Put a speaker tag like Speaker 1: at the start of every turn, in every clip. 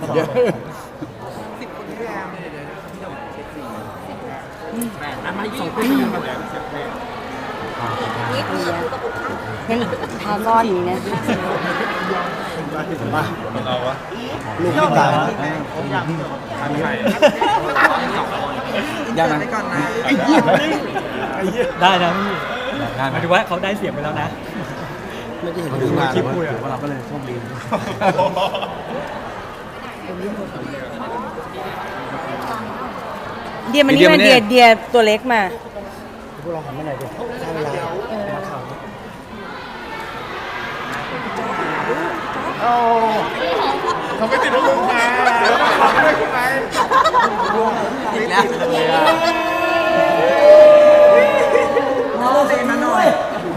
Speaker 1: เยอะ
Speaker 2: มาอีก2 คนเป็นยังไงบ้าง
Speaker 3: ยังทาก้อนอย่างนี้นะ
Speaker 1: มาเราวะลูกที่ตายยังไงก่อนนะ
Speaker 2: ได้นะพี่หมายถึงว่าเขาได้เสียงไปแล้วนะ
Speaker 1: ไม่ได้เห็นดูงานเลยว่าเราก็เลยโชคดี
Speaker 3: เดียมันนี่มาเดียตัวเล็กมา
Speaker 1: พวกเราหันมาไหนดีใช่เวลามาข่าวโอ้เขาไม่ติดลูกมาไม่คุณไหมอีกแล้วน้องเซนมาหน่อย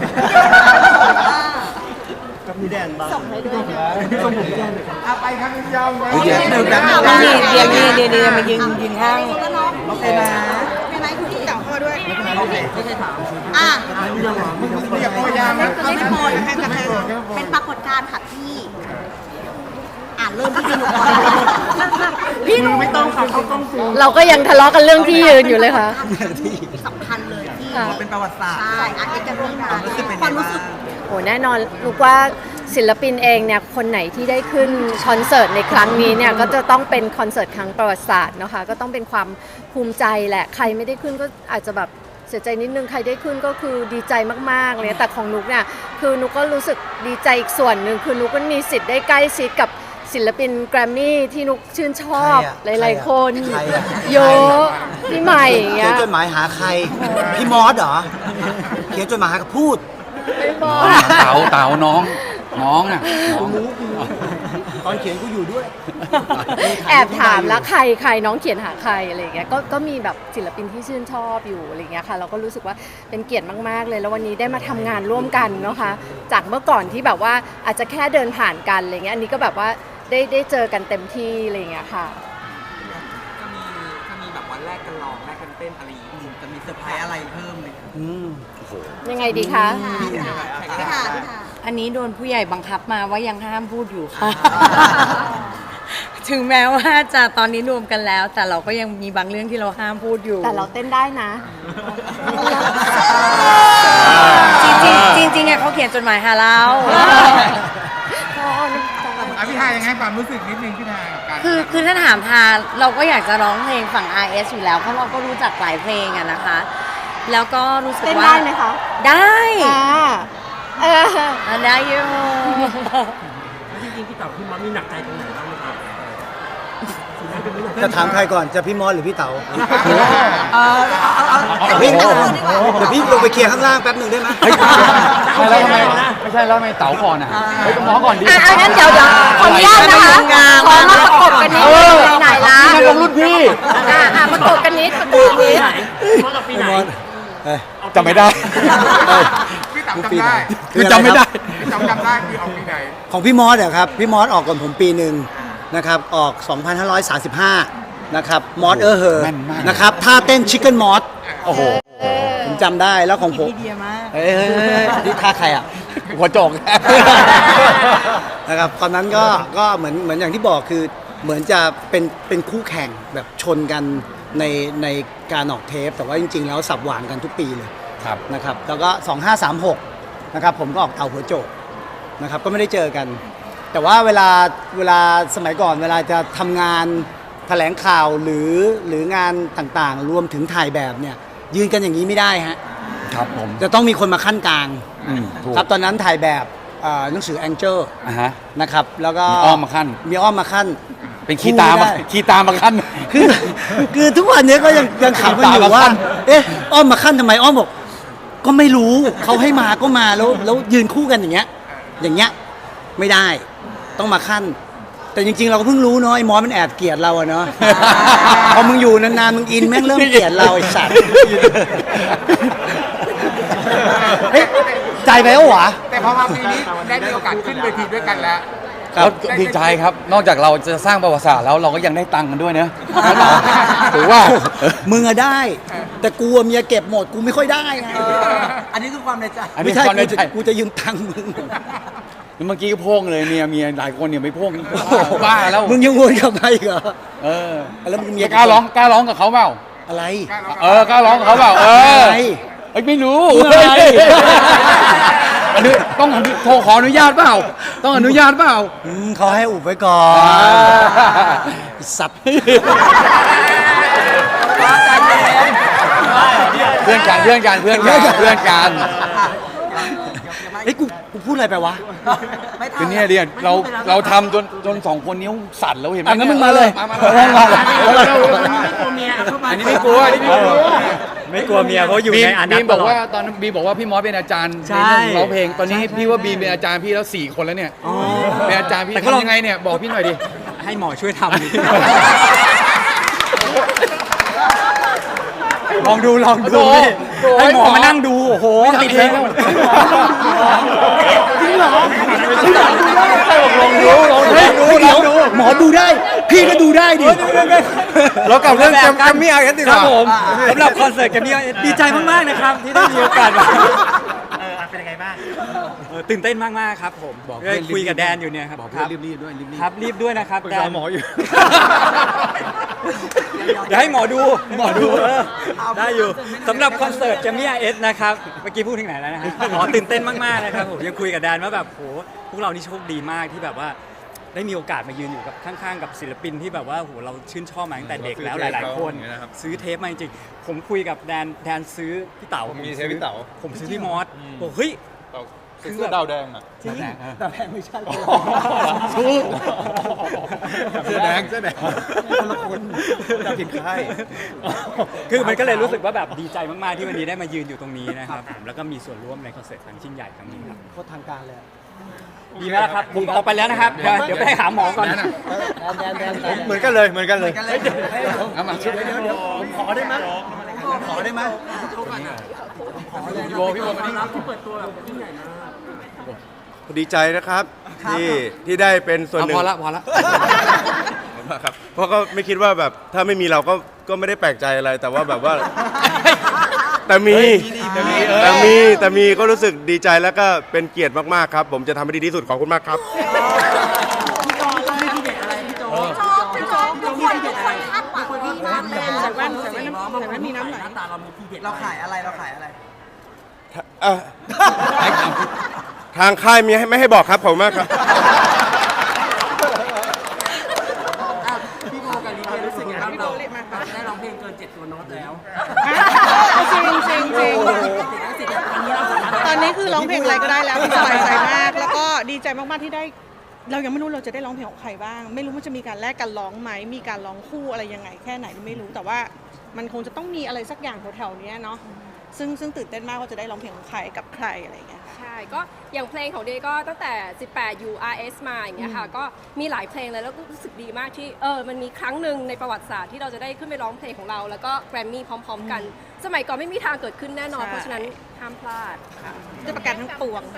Speaker 1: กับมีแดนบ้างส่งให้ด้วยส่งผมแจ้งเลยครับไปครับพี่ยอมไว้เดี๋ยว
Speaker 3: เดียมายืนข้าง
Speaker 4: โอเคนะไม่ไหนคุณที่เต่าเข้าด้วยไม่ใช่ถามอย่าโปรยามนะไม่ได้โปรยนะคะเป็นปรากฏการณ์ค่ะพี่เริ่มที่หนูก่อน
Speaker 3: พี่หนูไม่ต้องค่ะเขาต้องเราก็ยังทะเลาะกันเรื่องที่ยืนอยู่เลยค่ะ
Speaker 4: ที่สำคัญเลยที่
Speaker 1: เป็นประวัติศาสตร์
Speaker 4: ใช่เอกจะร่วมงานความรู้สึก
Speaker 3: โอ้แน่นอนลูกว่าศิลปินเองเนี่ยคนไหนที่ได้ขึ้นคอนเสิร์ตในครั้งนี้เนี่ยก็จะต้องเป็นคอนเสิร์ตครั้งประวัติศาสตร์นะคะก็ต้องเป็นความภูมิใจแหละใครไม่ได้ขึ้นก็อาจจะแบบเสียใจนิดนึงใครได้ขึ้นก็คือดีใจมากๆเลยแต่ของนุกเนี่ยคือนุกก็รู้สึกดีใจอีกส่วนหนึ่งคือนุกก็มีสิทธิ์ได้ใกล้ชิดกับศิลปินแกรมมี่ที่นุกชื่นชอบหลายๆคนเยอะพี่ใหม่เงี้ย
Speaker 1: เขียนจดหมายหาใครพี่มอสเหรอเขียนจดหมายหาพูด
Speaker 3: ไม่บอก
Speaker 5: เต๋าน้องน่ะ
Speaker 1: ตอนเขียนกูอยู่ด้วย
Speaker 3: แอบถามแล้วใครน้องเขียนหาใครอะไรเงี้ยก็มีแบบศิลปินที่ชื่นชอบอยู่อะไรเงี้ยค่ะเราก็รู้สึกว่าเป็นเกียรติมากๆเลยแล้ววันนี้ได้มาทำงานร่วมกันนะคะจากเมื่อก่อนที่แบบว่าอาจจะแค่เดินผ่านกันอะไรเงี้ยอันนี้ก็แบบว่าได้เจอกันเต็มที่อะไรเงี้ยค่ะ
Speaker 6: จะมีแบบวันแรกกันร้องแรกกันเต้นอะไรอย่างนี้จะมีเซอร์ไพรส์อะไรเพิ่มไหม
Speaker 3: ยังไงดีคะ
Speaker 4: ค่ะ
Speaker 3: อันนี้โดนผู้ใหญ่บังคับมาว่ายังห้ามพูดอยู่ค่ะถึงแม้ว่าจะตอนนี้รวมกันแล้วแต่เราก็ยังมีบางเรื่องที่เราห้ามพูดอยู่แต่เราเต้นได้นะจริงๆเขาเขียนจดหมายหาเรา
Speaker 1: พี่ทายังไงความรู้สึกนิดนึงพี่ทา
Speaker 3: คือถ้าถามทาเราก็อยากจะร้องเพลงฝั่ง RS อยู่แล้วเพราะเราก็รู้จักหลายเพลงอะนะคะแล้วก็รู้สึกว่า
Speaker 4: ได้ไหมคะ
Speaker 3: ได้ได้อยู่
Speaker 2: จริงๆพี่เต๋าพี่มอสมีหนักใจตรงไหนบ้างไหมครับ
Speaker 1: จะถามใครก่อนจะพี่มอสหรือพี่เต๋าเดี๋ยวพี่ลงไปเคลียร์ข้างล่างแป๊บหนึ่งได้ไหม
Speaker 5: ไม่ใช่แล้วทำไมเต๋าก่อนอ่ะต้องน้องก่อนดิ
Speaker 3: งั้นเดี๋ยวขออนุญาตนะคะขอมาประกบกันนิดไหนล่ะ
Speaker 5: ลงรุ่นพี่
Speaker 3: ประกบกันนิด
Speaker 2: มอสกับปีไหน
Speaker 5: จำไม่ได้
Speaker 1: พี่เต๋าจำได้
Speaker 5: คือจำไม่ได้
Speaker 1: จำได้คือออกปีไหนของพี่มอสเหรอครับพี่มอสออกก่อนผมปีหนึ่งนะครับออก 2535 นะครับมอสเฮอร์นะครับท่าเต้นชิคเก้นมอส
Speaker 5: โอ้โห
Speaker 1: ผมจำได้แล้วของผม
Speaker 3: ดีมาก
Speaker 1: นี่ท่าใครอ่ะ
Speaker 5: หัวโจก
Speaker 1: นะครับตอนนั้นก็เหมือนอย่างที่บอกคือเหมือนจะเป็นคู่แข่งแบบชนกันในการออกเทปแต่ว่าจริงๆแล้วสับหวานกันทุกปีเลยนะครับแล้วก็ 2536 นะครับผมก็ออกเต่าหัวโจกนะครับก็ไม่ได้เจอกันแต่ว่าเวลาสมัยก่อนเวลาจะทำงานแถลงข่าวหรืองานต่างๆรวมถึงถ่ายแบบเนี่ยยืนกันอย่างนี้ไม่ได้ฮะ
Speaker 5: ครับผม
Speaker 1: จะต้องมีคนมาขั้นกลางครับตอนนั้นถ่ายแบบหนังสือแองเจิลนะครับแล้วก็
Speaker 5: มีอ้อมมาขั้นเป็นขี้ตามาขั้น
Speaker 1: คือทุกวันนี้ก็ยังขำกันอยู่ว่าเอ๊ะอ้อมมาขั้นทำไมอ้อมบอกก็ไม่รู้เขาให้มาก็มาแล้วยืนคู่กันอย่างเงี้ยไม่ได้ต้องมาขั้นแต่จริงๆเราก็เพิ่งรู้เนาะไอ้มอสมันแอบเกลียดเราอะเนาะพอมึงอยู่นานๆมึงอินแม่งเริ่มเกลียดเราไอ้สัตว์ใจไปแล้วหวะ
Speaker 6: แต่พอมาปีนี้ได้มีโอกาสขึ้นเวทีด้วยกันแล้ว
Speaker 5: แล้วดีใจครับนอกจากเราจะสร้างประวัติศาสตร์แล้วเราก็ยังได้ตังค์กันด้วยเนอะถือว่า
Speaker 1: มึงอะได้แต่กูเมียเก็บหมดกูไม่ค่อยได้ไง
Speaker 6: อันนี้คือความในใจ
Speaker 1: ไม่ใช่กูจะยืมตังค์มึง
Speaker 5: เมื่อกี้ก็โพ่งเลยเมียหลายคนเนี่ยไม่โพ่งบ้าแล้ว
Speaker 1: มึงยังวนกลับมาอีกเหรอ
Speaker 5: เออ
Speaker 1: แล้วมึงมี
Speaker 5: กล้าร้องกับเขาเปล่า
Speaker 1: อะไร
Speaker 5: กล้าร้องกับเขาเปล่า
Speaker 1: อะไร
Speaker 5: เอ้ยไม่รู้
Speaker 1: อะไร
Speaker 5: อันนี้ต้องโทรขออนุญาตเปล่าต้องอนุญาตเปล่า
Speaker 1: เขาให้อุบไว้ก่อน สัตว์
Speaker 5: เพื่อนกัน
Speaker 1: เฮ้ยกูพูดอะไรไปวะ
Speaker 5: คือเนี่ยเดียเราทำจนสองคนนิ้วสั่นแล้วเห็นไหม
Speaker 1: งั้นมึงมาเลย
Speaker 5: มา
Speaker 2: อันนี้ไม่กลัวไม่กลัวเมียเพราะอยู่ในอันนั้น
Speaker 5: บีมบอกว่าตอนนั้นบีมบอกว่าพี่มอสเป็นอาจารย์
Speaker 2: ใช่
Speaker 5: ในเรื่องร้องเพลงตอนนี้พี่ว่าบีมเป็นอาจารย์พี่แล้ว4 คนแล้วเนี่ยเป็นอาจารย์พี่ทำยังไงเนี่ยบอกพี่หน่อยดิ
Speaker 2: ให้หมอช่วยทำลองดูพี่ให้หมอมานั่งดูโอ้โหติดเพลง
Speaker 1: จริงเหรอ
Speaker 5: ลองดู
Speaker 1: เดี๋ยวหมอดูได้ พี่ก็ดูได้ดิ
Speaker 5: เรากลับเรื่องแกรมมี่ไอเอสดีก
Speaker 2: ครับ
Speaker 5: ว่า
Speaker 2: ผมสำหรับคอนเสิร์ตแกรมมี่ดีใจมากๆนะครับที่ได้มีโอกาสมาเป็นยังไงบ้างตื่นเต้นมากๆครับผมคุยกับแดนอยู่เนี่ยครับ
Speaker 5: บอกเพื่อนรีบๆด้วยรีบ
Speaker 2: ครับรีบด้วยนะครับ
Speaker 5: ปรึกษาหมออยู่
Speaker 2: เดี๋ยวให้หมอดูได้อยู่สำหรับคอนเสิร์ตแกรมมี่ไอเอสนะครับเมื่อกี้พูดถึงไหนแล้วนะฮะตื่นเต้นมากๆนะครับผมยังคุยกับแดนว่าแบบโหพวกเรานี่โชคดีมากที่แบบว่าได้มีโอกาสมายืนอยู่กับข้างๆกับศิลปินที่แบบว่าโหเราชื่นชอบมาตั้งแต่เด็กแล้วหลายๆคนซื้อเทปมาจริงๆผมคุยกับแดนซื้อพี่เต๋าผมซื้อพี่มอสบอกเฮ้ย
Speaker 5: เสื้อดาวแดงอ่ะ
Speaker 2: จริง
Speaker 1: แต่แพงไม่ใช่
Speaker 5: เสื้อแดง
Speaker 1: คนละคนจะผิดค่าย
Speaker 2: คือมันก็เลยรู้สึกว่าแบบดีใจมากๆที่วันนี้ได้มายืนอยู่ตรงนี้นะครับผมแล้วก็มีส่วนร่วมในคอนเสิร์ตครั้งยิ่งใหญ่ครั้งนี้ครับ
Speaker 1: โคตรทางการเลย
Speaker 2: ดีไหมล่ะครับผมออกไปแล้วนะครับเดี๋ยวไปหาหมอก่อน
Speaker 1: แดน
Speaker 5: เหมือนกันเลยเอามา
Speaker 1: ผมขอได้ไหม
Speaker 5: พี่โบมานี่
Speaker 7: ดีใจนะครับที่ได้เป็นส่วนหนึ่ง
Speaker 5: พอละ
Speaker 7: ครับเพราะก็ไม่คิดว่าแบบถ้าไม่มีเราก็ไม่ได้แปลกใจอะไรแต่ว่าแบบว่า แต่มีก็รู้สึกดีใจแล้วก็เป็นเกียรติมากๆครับ ผมจะทำให้ดีที่สุดขอบคุณมากครับ
Speaker 4: ทุกคนคาดหวังดีมากเลย
Speaker 6: ใส่แว่นมีน้ำไหลตาเรามีทีเด็ดเราขายอะไร
Speaker 7: ทางค่ายมีไม่ให้บอกครับขอบคุณมากครับ
Speaker 6: พี่โบกับลีเดียรู้สึกยังไงบ้างได้ร้องเพลงเกิน7 ตัวโน้ตแล้ว
Speaker 8: จริงตอนนี้คือร้องเพลงอะไรก็ได้แล้วสบายใจมาก แล้วก็ดีใจมากๆที่ได้ เรายังไม่รู้เราจะได้ร้องเพลงของใครบ้าง ไม่รู้มันจะมีการแลกกันร้องไหมมีการร้องคู่อะไรยังไงแค่ไหนไม่รู้แต่ว่ามันคงจะต้องมีอะไรสักอย่างแถวๆนี้เนาะซึ่งตื่นเต้นมากว่าจะได้ร้องเพลงของใครกับใครอะไรอย่างเงี้ยค่ะ
Speaker 9: ใช่ก็อย่างเพลงของเดย์ก็ตั้งแต่18 URS มาอย่างเงี้ยค่ะก็มีหลายเพลงเลยแล้วก็รู้สึกดีมากที่มันมีครั้งหนึ่งในประวัติศาสตร์ที่เราจะได้ขึ้นไปร้องเพลงของเราแล้วก็แกรมมี่พร้อมๆกัน สมัยก่อนไม่มีทางเกิดขึ้นแน่นอน
Speaker 8: ใช่
Speaker 9: เพราะฉะนั้นห้ามพลาดค่ะ
Speaker 8: จะประกันทั้งปวง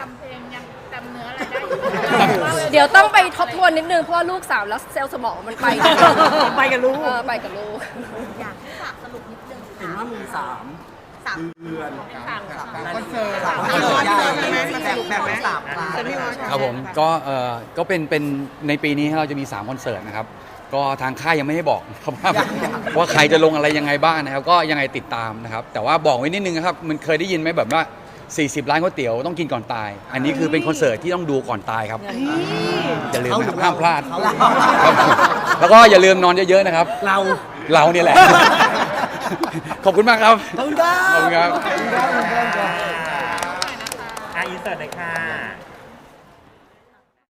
Speaker 9: เดี๋ยวต้องไปทบทวนนิดนึงเพราะว่าลูกสาวแล้วเซลล์สมองมันไป
Speaker 8: ไปกับลูก
Speaker 9: ไปกับลูก
Speaker 4: อยากให้ฝากสรุปนิดนึง
Speaker 6: เห็นว่ามี3 เดือน
Speaker 4: คอนเสิร์ต
Speaker 6: แบบ3
Speaker 5: ครับผมก็เป็นในปีนี้เราจะมี3 คอนเสิร์ตนะครับก็ทางค่ายยังไม่ให้บอกครับว่าใครจะลงอะไรยังไงบ้างนะครับก็ยังไงติดตามนะครับแต่ว่าบอกไว้นิดนึงนะครับมันเคยได้ยินไหมแบบว่า40 ร้านก๋วยเตี๋ยวต้องกินก่อนตาย อันนี้คือเป็นคอนเสิร์ตที่ต้องดูก่อนตายครับอย่าลืมนะครับห้ามพลาดครับแล้วก็อย่าลืมนอนเยอะๆนะครับเราเนี่ยแหละ ขอบคุณมากครับ
Speaker 1: ขอบคุณครับ
Speaker 5: ขอบคุณครับ
Speaker 2: อินเสิร์ตเลยค่ะ